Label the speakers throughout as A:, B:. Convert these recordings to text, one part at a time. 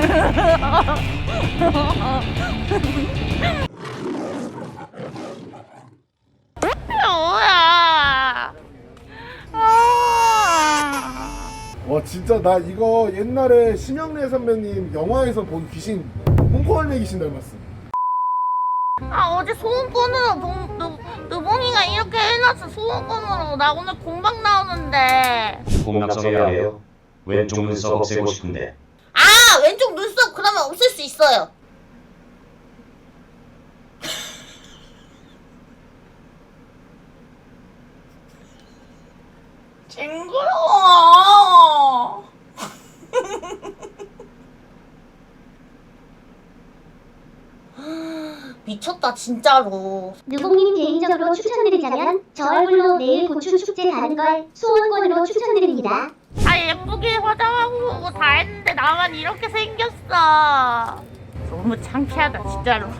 A: 뭐야?
B: 와 진짜 나 이거 옛날에 심영래 선배님 영화에서 본 귀신 홍콩할매 귀신 닮았어.
A: 어제 소원권으로 느봉이가 이렇게 해놨어. 소원권으로 나 오늘 공방 나오는데.
C: 공락성해야 해요. 왼쪽 눈썹 없애고 싶은데.
A: 왼쪽 눈썹 그러면 없앨 수 있어요. 징그러워. 미쳤다 진짜로.
D: 느봉님 개인적으로 추천드리자면 저 얼굴로 내일 고추 축제 가는 걸 소원권으로 추천드립니다.
A: 다 예쁘게 화장하고 다 했는데 나만 이렇게 생겼어. 너무 창피하다 진짜로.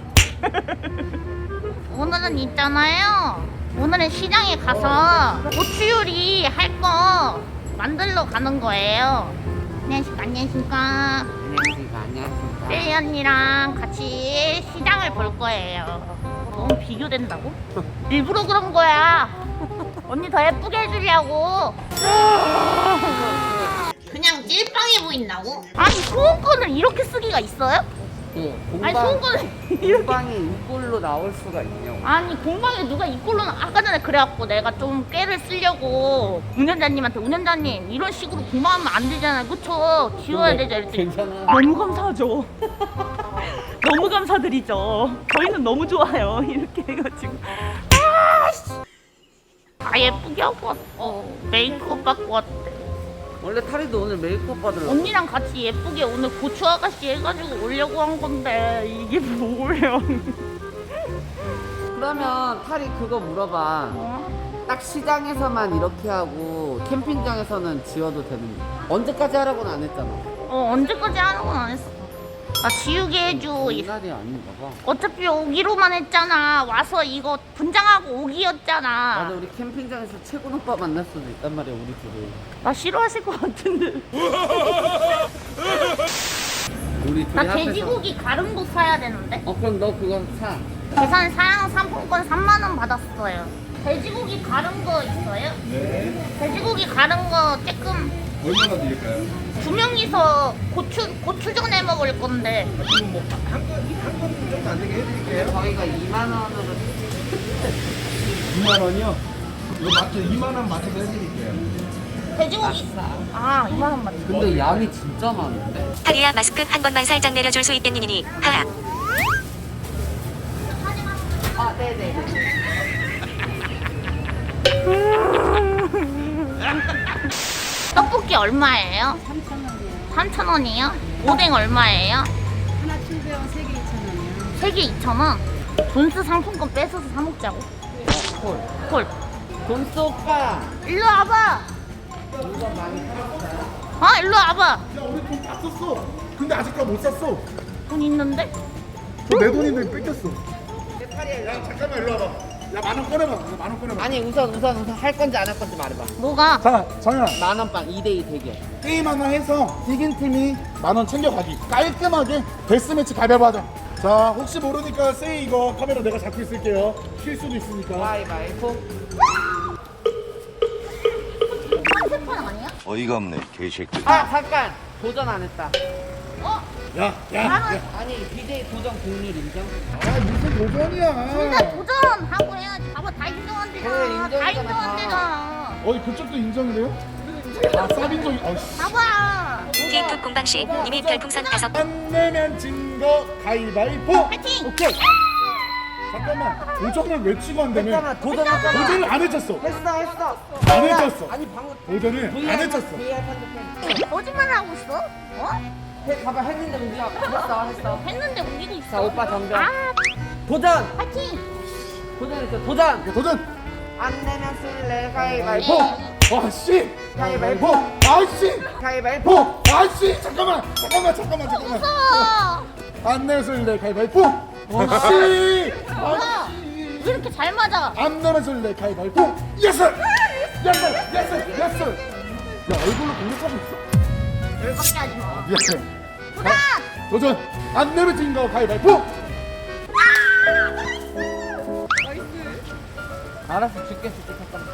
A: 오늘은 있잖아요. 오늘은 시장에 가서 고추요리 할 거 만들러 가는 거예요. 안녕하십니까.
E: 안녕하십니까.
A: 세이 언니랑 같이 시장을 볼 거예요. 너무 비교된다고? 일부러 그런 거야. 언니 더 예쁘게 해주려고. 그냥 찔빵해 보인다고? 아니 소원권을 이렇게 쓰기가 있어요? 아니 소원권을 이렇게.
E: 공방이 이꼴로 나올 수가 있냐고.
A: 아니 공방에 누가 이꼴로 아까 전에 그래갖고 내가 좀 깨를 쓰려고 운전자님한테 운전자님 이런 식으로 공방하면 안 되잖아요 그쵸? 지워야 되죠 이랬더니
E: 괜찮아.
F: 너무 감사하죠. 너무 감사드리죠. 저희는 너무 좋아요. 이렇게 해가지고.
A: 예쁘게 하고 왔어. 메이크업 받고 왔대.
E: 원래 타리도 오늘 메이크업 받으러.
A: 언니랑 같이 예쁘게 오늘 고추 아가씨 해가지고 오려고 한 건데 이게 뭐예요?
E: 그러면 타리 그거 물어봐. 딱 시장에서만 이렇게 하고 캠핑장에서는 지워도 되는 거야. 언제까지 하라고는 안 했잖아.
A: 언제까지 하는 건 안 했어. 나 지우게 해줘.
E: 이날이 아닌가 봐.
A: 어차피 오기로만 했잖아. 와서 이거 분장하고 오기였잖아.
E: 맞아, 우리 캠핑장에서 최군 오빠 만날 수도 있단 말이야, 우리 둘이.
A: 나 싫어하실 것 같은데.
E: 우리 둘이
A: 나
E: 합해서.
A: 돼지고기 가름도 사야 되는데.
E: 그럼 너 그거 사.
A: 계산 사양 상품권 3만 원 받았어요. 돼지고기 가른 거 있어요?
B: 네.
A: 돼지고기 가른 거 조금
B: 얼마나 드릴까요?
A: 2명이서 고추전 해 먹을 건데.
B: 지금 뭐한 건 좀 안 되게 해드릴게요.
E: 저희가 2만 원으로.
B: 2만 원이요? 이거 맞죠? 2만 원 맞춰서 해드릴게요.
A: 돼지고기 2만 원 맞죠?
E: 근데 양이 진짜 많은데?
G: 타리야 마스크 한 번만 살짝 내려줄 수 있겠니니 하하.
E: 네네.
A: 떡볶이 얼마예요?
H: 3,000원이요.
A: 3,000원이요? 오뎅 얼마예요?
H: 하나 700원, 3개 2,000원이요.
A: 3개 2,000원? 돈스 상품권 뺏어서 사 먹자고. 콜.
E: 돈스 오빠!
A: 일로 와봐.
E: 물건 많이 팔았어요?
A: 일로 와봐.
B: 야 우리 돈 다 썼어. 근데 아직까지 못 샀어.
A: 돈 있는데?
B: 내 돈인데 뺏겼어. 야 잠깐만 일로 와봐. 야 10,000원 꺼내봐. 10,000원 꺼내봐.
E: 아니 우선 할 건지 안 할 건지 말해봐.
A: 뭐가?
B: 자 정현아.
E: 10,000빵 2대2 대결.
B: 게임 하나 해서 이긴 팀이 10,000원 챙겨가기. 깔끔하게 데스매치 가위바위보 하자. 자 혹시 모르니까 세이 이거 카메라 내가 잡고 있을게요. 쉴 수도 있으니까.
E: 가위바위보.
A: 컨셉판 아니야?
C: 어이가 없네, 개새끼.
E: 잠깐! 도전 안 했다.
B: 야.
E: 아니 BJ 도전 공률 인정?
B: 아 무슨 도전이야.
A: 근데 도전하고 해야지. 봐봐 다 인정한대잖아.
E: 그래,
A: 다
E: 인정이잖아,
A: 인정한대잖아.
B: 어이 그쪽도 인정돼요? 아 쌉인정이.
A: 봐봐.
G: 티프 공방씨 님이 별풍선 5.
B: 안 내면 진 거 가위바위보.
A: 파이팅!
B: 오케이. 잠깐만 도전을 외치고 한다며.
E: 했잖아, 도전했잖아.
B: 도전을 안 해쳤어.
E: 했어.
B: 안 해쳤어.
E: 아니 방금
B: 도전을 안 해쳤어.
E: VR 판독해.
A: 거짓말 하고 있어?
E: 봐봐 했는데 우리가 했어.
A: 했는데 우기고 있어.
E: 자 오빠 정정.
A: 아,
E: 도전!
A: 파이팅!
E: 도전했어. 도전!
B: 도전.
E: 안 내면 쓸래 가위바위보.
B: 아씨.
E: 가위바위보.
B: 아씨.
E: 가위바위보.
B: 아씨. 잠깐만.
A: 무서워.
B: 안 내술래 가위바위보. 아씨.
A: 뭐야? 왜 이렇게 잘 맞아?
B: 안 내술래 가위바위보. 예스. 야 얼굴로 공격하고 있어.
A: 열받게 하지 마.
B: 미안해.
A: 도전!
B: 도전 안 내뱉은 거 가위바위보.
E: 알았어, 줄게 잠깐만.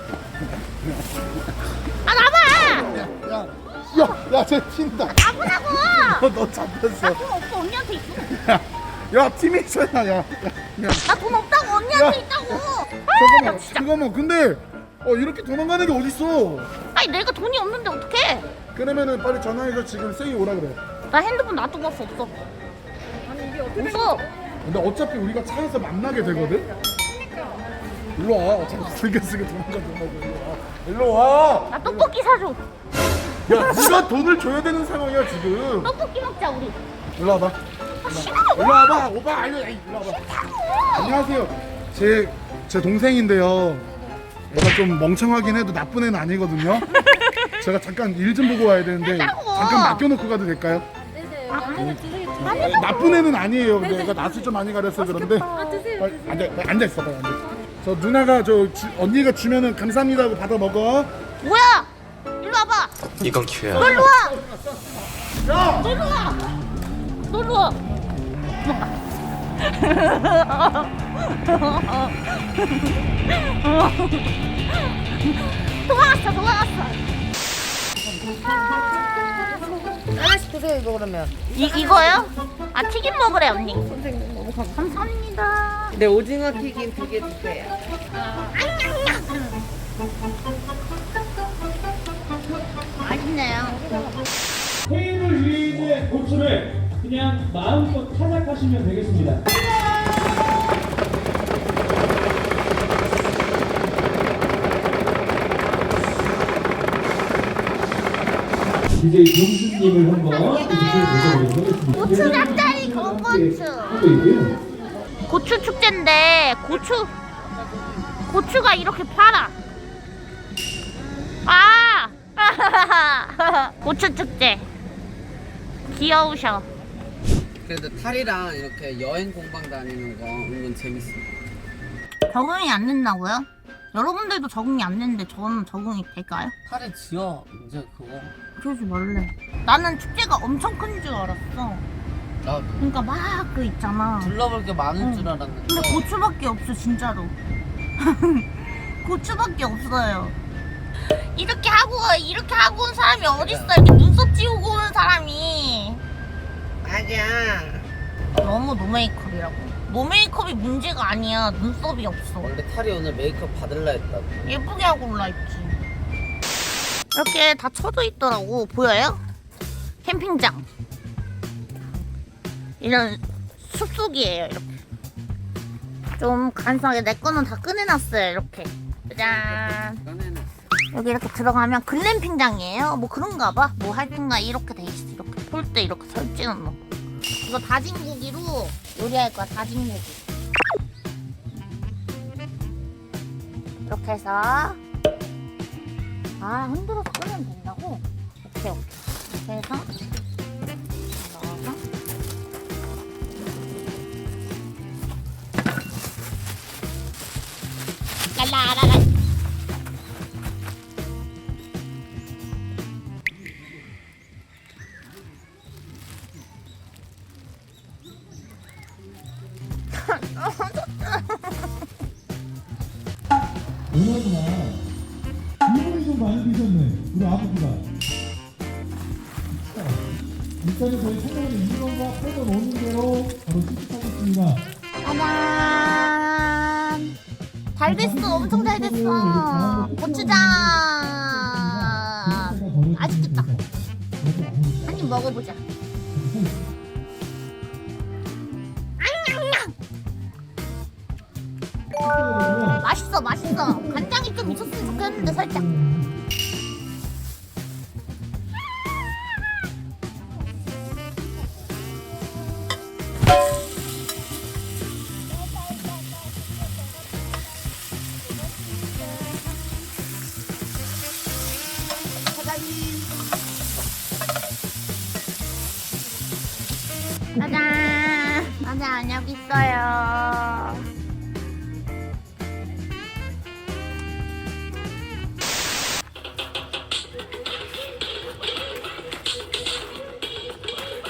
A: 아 나봐.
B: 야쟤 튄다.
A: 나보라고.
B: 너 잡혔어.
A: 돈 없어 언니한테 있어.
B: 야 팀이잖아. 야
A: 나 돈 없다고 언니한테 있다고.
B: 잠깐만 잠깐만. 근데 이렇게 도망가는 게 어딨어?
A: 아니 내가 돈이 없는데 어떡해?
B: 그러면은 빨리 전화해서 지금 세이 오라 그래.
A: 나 핸드폰 놔두고 왔어. 없어. 없어.
B: 근데 어차피 우리가 차에서 만나게 되거든. 일로 와. 어차피 슬쩍슬쩍 도망가. 일로 와.
A: 나 떡볶이 사줘.
B: 야 네가 돈을 줘야 되는 상황이야 지금.
A: 떡볶이 먹자 우리.
B: 일로 와봐. 일로 와봐. 오빠 아니 일로 와봐. 안녕하세요. 제 동생인데요. 얘가 좀 멍청하긴 해도 나쁜 애는 아니거든요. 제가 잠깐 일 좀 보고 와야 되는데 잠깐 맡겨놓고 가도 될까요? 나쁜 애는 아니에요. 근데 얘가 낯을 좀 많이 가려서 그런데. 앉아 있어. 빨리 앉아. 저 누나가 언니가 주면은 감사합니다 하고 받아 먹어.
A: 뭐야? 일로 와봐.
C: 이건 기회야.
A: 너 일로 와.
B: 야!
A: 너 일로 와. 너 일로 와. 도망갔어.
E: 하나씩 드세요 이거 그러면.
A: 이거요? 아 튀김 먹으래 언니. 선생님 너무 감사합니다.
E: 네, 오징어 튀김 2개 주세요.
A: 맛있네요.
I: 테이블 위에 있는 고추를 그냥 마음껏 타작하시면 되겠습니다. DJ 동수님을 한번 모셔보도록 하겠습니다.
A: 고추 짭짜리 건고추.
I: 하고 있고요.
A: 고추 축제인데 고추가 이렇게 팔아. 아! 고추 축제. 귀여우셔.
E: 그래도 탈이랑 이렇게 여행 공방 다니는 거 은근 재밌어.
A: 적응이 안 된다고요? 여러분들도 적응이 안 되는데 저는 적응이 될까요?
E: 탈이 지어 이제 그거.
A: 그러지 말래. 나는 축제가 엄청 큰 줄 알았어.
E: 나도
A: 그러니까 막 그 있잖아.
E: 둘러볼 게 많은 줄 알았는데.
A: 근데 고추밖에 없어 진짜로. 고추밖에 없어요. 이렇게 하고 온 사람이 어딨어? 이렇게 눈썹 지우고 오는 사람이.
E: 맞아.
A: 너무 노메이크업이라고. 노메이크업이 문제가 아니야. 눈썹이 없어.
E: 원래 탈이 오늘 메이크업 받을라 했다고.
A: 예쁘게 하고 올라있지. 이렇게 다 쳐져 있더라고. 보여요? 캠핑장. 이런 숲속이에요. 이렇게. 좀 간소하게 내 거는 다 꺼내놨어요. 이렇게. 짜잔.
E: 꺼내는.
A: 여기 이렇게 들어가면 글램핑장이에요. 뭐 그런가 봐. 뭐 하여튼가 이렇게 돼 있어. 이렇게 폴대 이렇게 설치는 거. 이거 다진 고기로 요리할 거야. 다진 고기. 이렇게 해서 흔들어서 끄면 된다고? 오케이. 이렇게 해서 넣어서 랄라라라.
I: 누나구나. 이분이 좀 많이 드셨네. 우리 아버지가. 일단은 저희 채널에 2번과 8번 오는 대로 바로 시작하겠습니다.
A: 짜잔. 잘 됐어. 엄청 잘 됐어. 고추장. 맛있겠다. 한 입 먹어보자. 맛있어. 간장이 좀 있었으면 좋겠는데 살짝. 짜잔, 여기 있어요.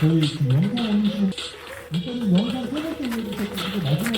I: 저희 지금 영상 올리시는 일단은 영상 세 번째 올리셨고 마지막